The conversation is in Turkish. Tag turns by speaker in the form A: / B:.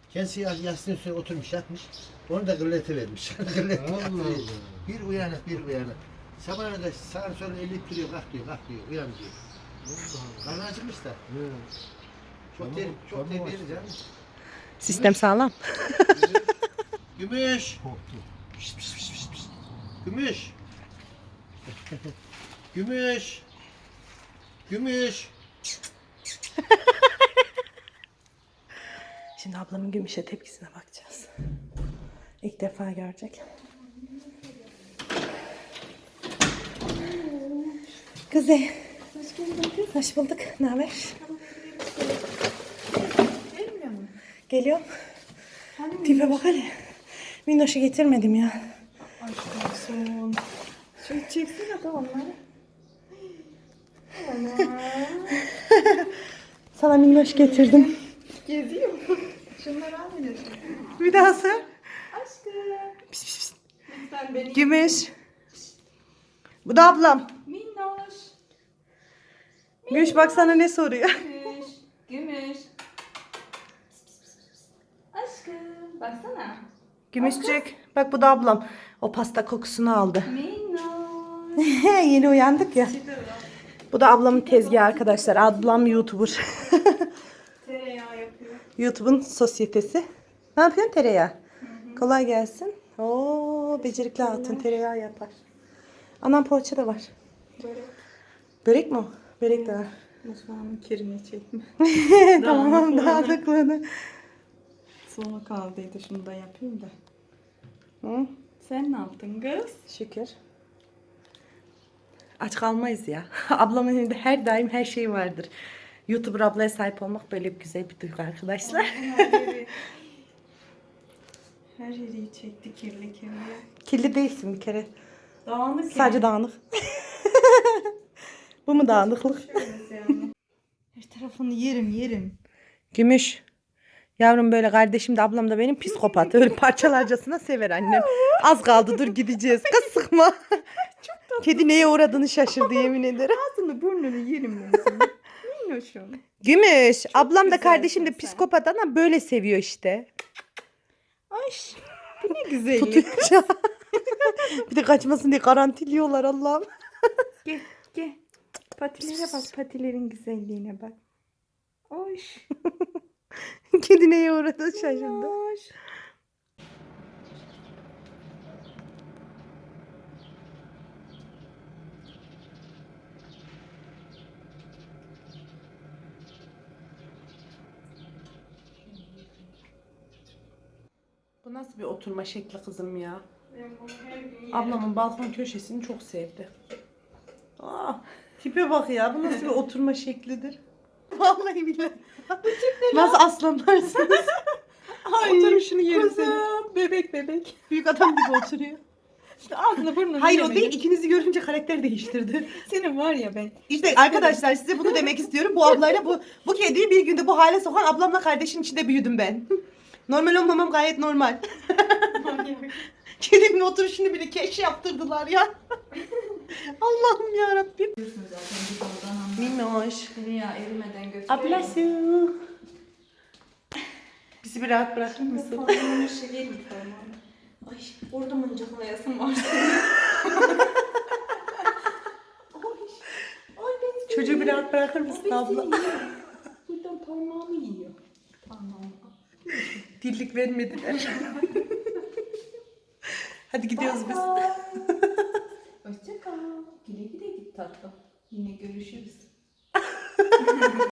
A: Kendisi yastığın üstüne oturmuş yatmış. Onu da gırlete vermiş. Gırlete
B: Allah
A: yatırıyor.
B: Allah.
A: Bir uyanık bir uyanık. Sabahına kadar sağa sola elip duruyor, kalk diyor, uyan diyor. Karnı acıkmış da. Çok tehlikeli canım.
C: Sistem sağlam.
A: Gümüş.
B: Korktu.
A: Gümüş. Gümüş. Gümüş.
C: Şimdi ablamın Gümüş'e tepkisine bakacağız. İlk defa görecek. Kuzey.
D: Hoş geldin.
C: Hoş bulduk. Ne haber?
D: Gelmiyor mu?
C: Geliyorum. Tipe bak hele. Minnoş'u getirmedim ya.
D: Aşk olsun. Şöyle çeksene de onları. Ana.
C: Sana minnoş getirdim.
D: Geziyor. Şunları al bir de.
C: Bir daha sor.
D: Aşkım. Lütfen beni.
C: Gümüş. Bu da ablam.
D: Minnoş.
C: Gümüş bak sana ne soruyor.
D: Gümüş. Gümüş. Aşkım. Baksana.
C: Gümüşcük. Bak bu da ablam. O pasta kokusunu aldı.
D: Minnoş.
C: Yeni uyandık ya. Bu da ablamın tezgahı arkadaşlar. Ablam YouTuber.
D: Tereyağı yapıyor.
C: YouTube'un sosyetesi. Ne yapıyorsun tereyağı? Kolay gelsin. Oo, becerikli hatun tereyağı yapar. Anam poğaça da var.
D: Böyle
C: Börek mi o? Börek de var.
D: mutfağımın kirini çekme.
C: Tamam
D: Dağınık
C: dağınıklığını.
D: Sonu kaldıydı. Şunu da yapayım da.
C: Hı?
D: Sen ne yaptın kız?
C: Şükür. Aç kalmayız ya. Ablamın elinde her daim her şey vardır. YouTuber ablaya sahip olmak böyle bir güzel bir duygu arkadaşlar.
D: Her yeri çekti kirli kirli.
C: Kirli değilsin bir kere.
D: Dağınık
C: Sadece dağınık. Bu mu dağınıklık?
D: yani. Her tarafını yerim.
C: Gümüş. Yavrum böyle kardeşim de ablam da benim psikopat. Öyle parçalarcasına sever annem. Az kaldı dur gideceğiz. Kız sıkma. Kedi neye uğradığını şaşırdı yemin ederim.
D: Ağzını burnunu yerim ben seni. Minnoşum.
C: Gümüş. Ablam da
D: güzelsin
C: kardeşim de
D: sen.
C: psikopat ama böyle seviyor işte.
D: Ay bu ne güzellik.
C: Tutuyor. Bir de kaçmasın diye garantiliyorlar Allah'ım.
D: Gel. Patilere bak, patilerin güzelliğine bak. Oy.
C: Kedi neye uğradığını şaşırdı.
D: Minnoş.
C: Bu nasıl bir oturma şekli kızım ya?
D: Ben bunu her gün yerim.
C: Ablamın balkon köşesini çok sevdi. Aa, tipe bak ya. Bu nasıl bir oturma şeklidir? Vallahi billahi. Nasıl aslanlarsınız? Oturuşunu yerim seni.
D: Kuzum, bebek.
C: Büyük adam gibi oturuyor.
D: İşte ağzını burnunu
C: Hayır o
D: yemedim.
C: değil. İkinizi görünce karakter değiştirdi.
D: Senin var ya ben.
C: İşte arkadaşlar size bunu demek istiyorum. Bu ablayla bu kediyi bir günde bu hale sokan ablamla kardeşin içinde büyüdüm ben. Normal olmamam gayet normal. Kedinin oturuşunu bile keş yaptırdılar ya. Allah'ım yarabbim. Minnoş.
D: Tereyağı erimeden götürüyorum.
C: Ablası. Bizi bir rahat bırakır mısın?
D: Parmağımı şekerim parmağımı. Ay orada mıncıklayasın var. Ay ben
C: Çocuğu bir rahat bırakır mısın abla?
D: Buradan parmağımı yiyor. Parmağımı.
C: Dillik vermediler. Hadi gidiyoruz biz.
D: Hoşça kal. Güle güle git tatlım. Yine görüşürüz.